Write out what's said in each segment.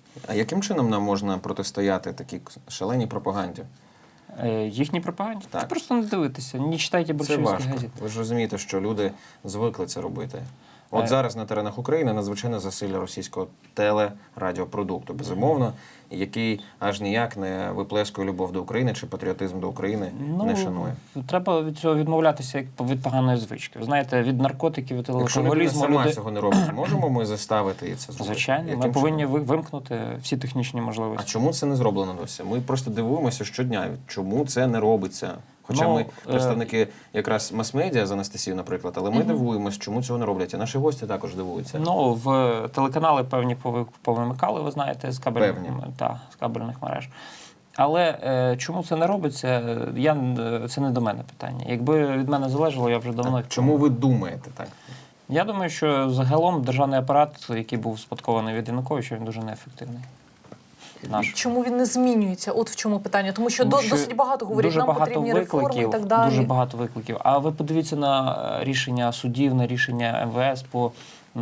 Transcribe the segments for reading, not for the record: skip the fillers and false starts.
А яким чином нам можна протистояти такій шаленій пропаганді? Їхній пропаганді? Так. Це просто не дивитися, не читайте Це большевістських важко. газет. Ви ж розумієте, що люди звикли це робити. От зараз на теренах України надзвичайне засилля російського телерадіопродукту, безумовно, який аж ніяк не виплескує любов до України чи патріотизм до України не шанує. Треба від цього відмовлятися як від поганої звички. Ви знаєте, від наркотиків, від Якщо людина алкоголізму... сама цього не робить, можемо ми заставити її це зробити? Звичайно, Яким ми повинні чином? вимкнути всі технічні А можливості. чому це не зроблено досі? Ми просто дивуємося щодня, чому це не робиться. Хоча ми представники якраз мас-медіа з Анастасією, наприклад, але ми дивуємося, чому цього не роблять. І наші гості також дивуються. Ну, в телеканали певні повимикали, ви знаєте, з кабельних мереж. Але чому це не робиться, це не до мене питання. Якби від мене залежало, я вже давно... Чому ви думаєте так? Я думаю, що загалом державний апарат, який був спадкований від Януковича, він дуже неефективний. Чому він не змінюється? От в чому питання. Тому що досить багато говорять, нам потрібні реформи і так далі. Дуже багато викликів. А ви подивіться на рішення судів, на рішення МВС по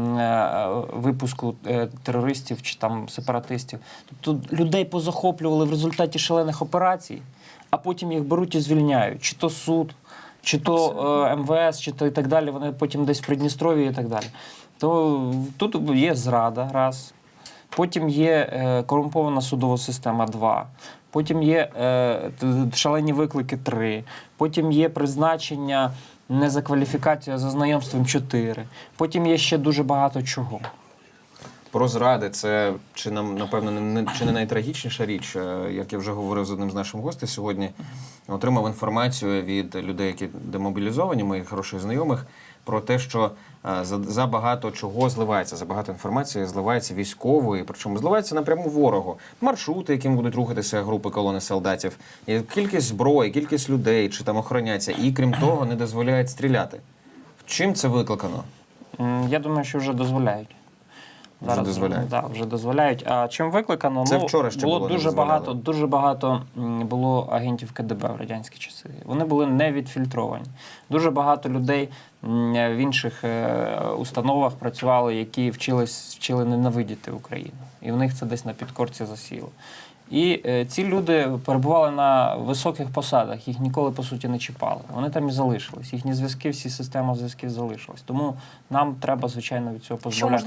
випуску терористів чи там сепаратистів. Тобто людей позахоплювали в результаті шалених операцій, а потім їх беруть і звільняють. Чи то суд, чи то МВС, чи то і так далі. Вони потім десь в Придністров'ї і так далі. То тут є зрада, раз. Потім є корумпована судова система 2, потім є шалені виклики 3, потім є призначення не за кваліфікацією, а за знайомством 4, потім є ще дуже багато чого. Про зради – це, напевно, чи не найтрагічніша річ. Як я вже говорив з одним з наших гостей сьогодні, отримав інформацію від людей, які демобілізовані, моїх хороших знайомих, про те, що за багато чого зливається, за багато інформації зливається військової, причому зливається напряму ворогу. Маршрути, яким будуть рухатися групи колони солдатів, і кількість зброї, кількість людей, чи там охороняться, і крім того не дозволяють стріляти. Чим це викликано? Я думаю, що вже дозволяють. Вже дозволяють. Так, вже дозволяють. А чим викликано? Це вчора ще було дуже багато було агентів КДБ в радянські часи. Вони були не відфільтровані. Дуже багато людей в інших установах працювали, які вчили ненавидіти Україну. І в них це десь на підкорці засіло. І ці люди перебували на високих посадах, їх ніколи, по суті, не чіпали. Вони там і залишились. Їхні зв'язки, всі системи зв'язків залишились. Тому нам треба, звичайно, від цього позбавлятися.